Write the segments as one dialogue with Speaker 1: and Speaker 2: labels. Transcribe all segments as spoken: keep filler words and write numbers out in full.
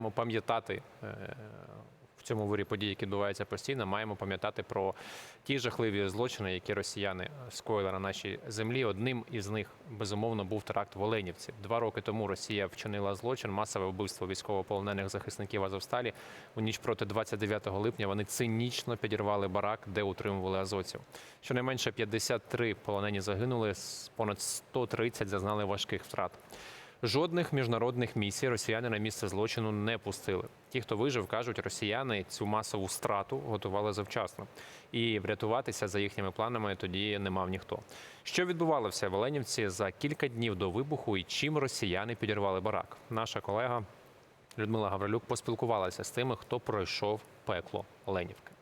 Speaker 1: Маємо пам'ятати в цьому вирі подій, які відбуваються постійно, маємо пам'ятати про ті жахливі злочини, які росіяни скоїли на нашій землі. Одним із них, безумовно, був теракт в Оленівці. Два роки тому Росія вчинила злочин, масове вбивство військовополонених захисників Азовсталі. У ніч проти двадцять дев'ятого липня вони цинічно підірвали барак, де утримували азовців. Щонайменше п'ятдесят три полонені загинули, понад сто тридцять зазнали важких втрат. Жодних міжнародних місій росіяни на місце злочину не пустили. Ті, хто вижив, кажуть, росіяни цю масову страту готували завчасно. І врятуватися за їхніми планами тоді не мав ніхто. Що відбувалося в Оленівці за кілька днів до вибуху і чим росіяни підірвали барак? Наша колега Людмила Гаврилюк поспілкувалася з тими, хто пройшов пекло Оленівки.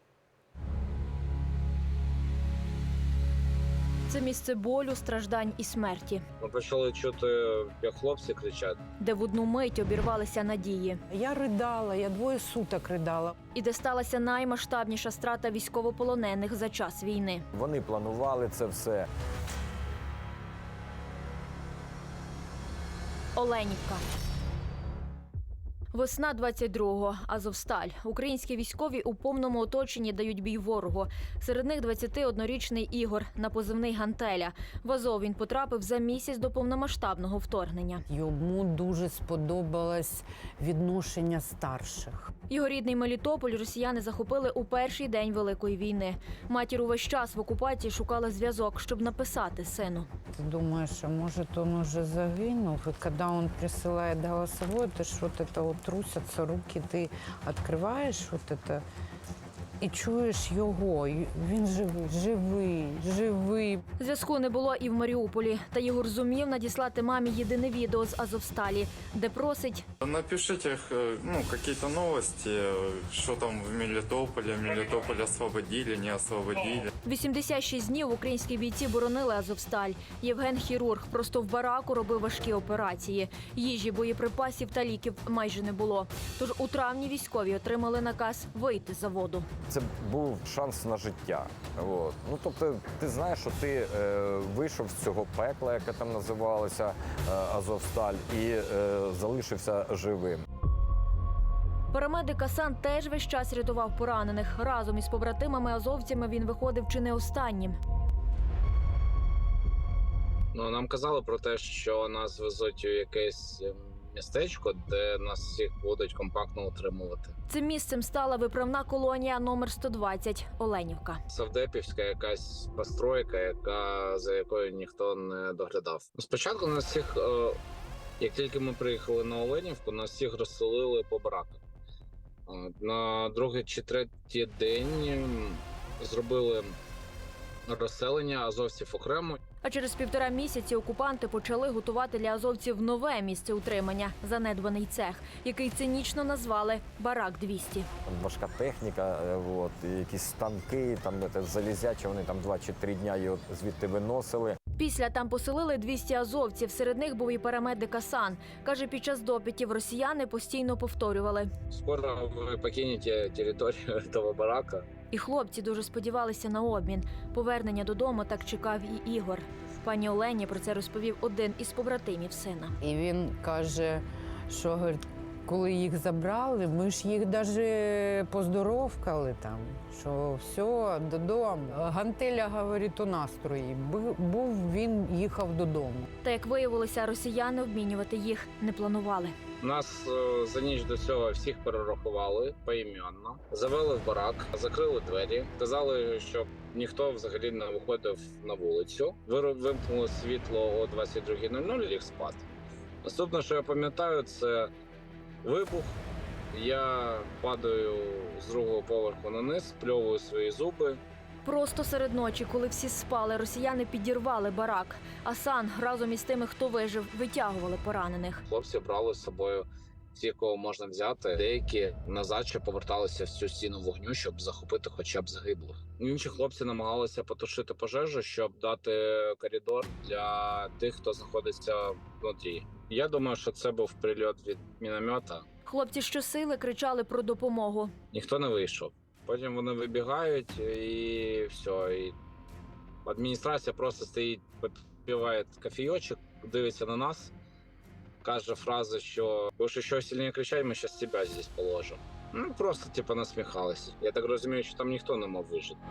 Speaker 2: Це місце болю, страждань і смерті,
Speaker 3: Ми почали чути, як хлопці кричать.
Speaker 2: де в одну мить обірвалися надії.
Speaker 4: Я ридала, я двоє суток ридала.
Speaker 2: І де сталася наймасштабніша страта військовополонених за час війни.
Speaker 5: Вони планували це все.
Speaker 2: Оленівка. Весна двадцять другого. Азовсталь. Українські військові у повному оточенні дають бій ворогу. Серед них двадцятиоднорічний Ігор на позивний «Гантеля». В Азов він потрапив за місяць до повномасштабного вторгнення.
Speaker 4: Йому дуже сподобалось відношення старших.
Speaker 2: Його рідний Мелітополь росіяни захопили у перший день Великої війни. Матір увесь час в окупації шукала зв'язок, щоб написати сину.
Speaker 4: Ти думаєш, а може він уже загинув? І коли він присилає голосовой, ти ж от це от трусяться руки, ти відкриваєш от це і чуєш його. І він живий, живий, живий.
Speaker 2: Зв'язку не було і в Маріуполі. Та Ігор зумів надіслати мамі єдине відео з Азовсталі, де просить:
Speaker 6: напишите, ну, какие-то новости, что там в Мелитополе, Мелитополь освободили, не освободили.
Speaker 2: вісімдесят шість днів українські бійці боронили Азовсталь. Євген хірург просто в бараку робив важкі операції. Їжі, боєприпасів та ліків майже не було. Тож у травні військові отримали наказ вийти з заводу.
Speaker 5: Це був шанс на життя. От. Ну, тобто, ти знаєш, що ти е, вийшов з цього пекла, яке там називалося е, Азовсталь, і е, залишився живим.
Speaker 2: Парамедик Асан теж весь час рятував поранених. Разом із побратимами-азовцями він виходив чи не останнім.
Speaker 3: Ну, нам казали про те, що нас везуть у якесь містечко, де нас всіх будуть компактно утримувати.
Speaker 2: Цим місцем стала виправна колонія номер сто двадцять – Оленівка.
Speaker 3: Савдепівська якась постройка, яка, за якою ніхто не доглядав. Спочатку нас всіх, е, як тільки ми приїхали на Оленівку, нас всіх розселили по бараках. Е, На другий чи третій день зробили розселення азовців окремо.
Speaker 2: А через півтора місяці окупанти почали готувати для азовців нове місце утримання – занедбаний цех, який цинічно назвали «Барак двісті».
Speaker 5: Там важка техніка, е, от, і якісь станки, там це, залізячі, вони там два чи три дня його звідти виносили.
Speaker 2: Після там поселили двісті азовців, серед них був і парамедик Асан. Каже, під час допитів росіяни постійно повторювали.
Speaker 3: Скоро ви покинете територію цього барака.
Speaker 2: І хлопці дуже сподівалися на обмін. Повернення додому так чекав і Ігор. Пані Олені про це розповів один із побратимів сина.
Speaker 4: І він каже, що говорить, коли їх забрали, ми ж їх навіть поздоровкали там, що все, додому. Гантеля, говорить, у настрої. Був, він їхав додому.
Speaker 2: Та, як виявилося, росіяни обмінювати їх не планували.
Speaker 3: Нас е, за ніч до цього всіх перерахували поіменно, завели в барак, закрили двері, сказали, щоб ніхто взагалі не виходив на вулицю. Вир- Вимкнули світло о двадцять другій нуль нуль і ліг спати. Наступне, що я пам'ятаю, це вибух. Я падаю з другого поверху на низ, спльовую свої зуби.
Speaker 2: Просто серед ночі, коли всі спали, росіяни підірвали барак. Асан разом із тими, хто вижив, витягували поранених.
Speaker 3: Хлопці брали з собою всіх, кого можна взяти. Деякі назад ще поверталися в цю стіну вогню, щоб захопити хоча б загиблих. Інші хлопці намагалися потушити пожежу, щоб дати коридор для тих, хто знаходиться внутрі. Я думаю, що це був прильот від міномета.
Speaker 2: Хлопці щосили кричали про допомогу.
Speaker 3: Ніхто не вийшов. Потім вони вибігають і все. І адміністрація просто стоїть, попиває кофійочок, дивиться на нас. каже фразу, що «Будеш ще сильніше кричати, ми зараз тебе здесь положимо». Ну, просто, типу, насміхалися. Я так розумію, що там ніхто не мав вижити.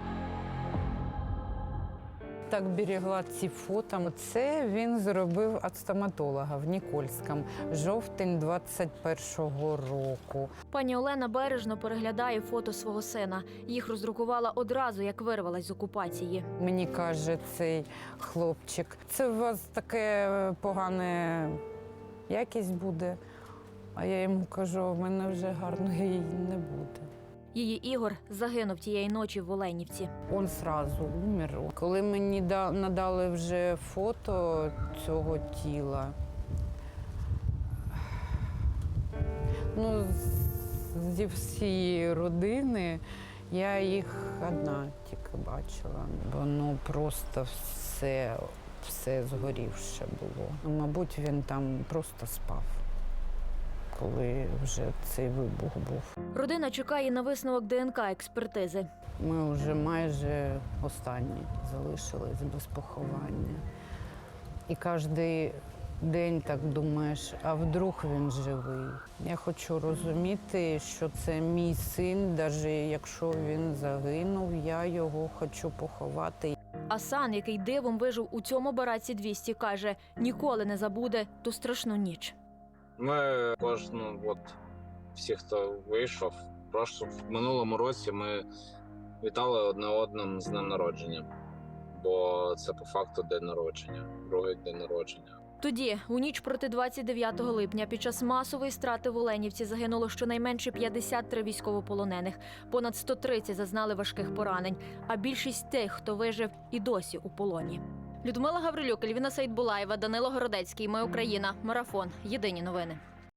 Speaker 4: Так берегла ці фото. Це він зробив від стоматолога в Нікольському, жовтень двадцять першого року.
Speaker 2: Пані Олена бережно переглядає фото свого сина. Їх роздрукувала одразу, як вирвалась з окупації.
Speaker 4: Мені каже цей хлопчик, це у вас таке погане якість буде. А я йому кажу, в мене вже гарної не буде.
Speaker 2: Її Ігор загинув тієї ночі в Оленівці.
Speaker 4: Він одразу умер. Коли мені да- надали вже фото цього тіла, ну, з- зі всієї родини я їх одна тільки бачила. Воно просто все, все згорівше було. Ну, мабуть, він там просто спав, коли вже цей вибух був.
Speaker 2: Родина чекає на висновок ДНК-експертизи.
Speaker 4: Ми вже майже останні залишились без поховання. І кожен день так думаєш, а вдруг він живий. Я хочу розуміти, що це мій син, навіть якщо він загинув, я його хочу поховати.
Speaker 2: Асан, який дивом вижив у цьому бараці двісті, каже, ніколи не забуде ту страшну ніч.
Speaker 3: Ми кожну, от всі, хто вийшов, просто в минулому році ми вітали одне одним з днем народження, бо це по факту день народження, другий день народження.
Speaker 2: Тоді, у ніч проти двадцять дев'ятого липня, під час масової страти в Оленівці загинуло щонайменше п'ятдесят три військовополонених. Понад сто тридцять зазнали важких поранень, а більшість тих, хто вижив, і досі у полоні. Людмила Гаврилюк, Ельвіна Сейдбулаєва, Данило Городецький. Ми Україна. Марафон. Єдині новини.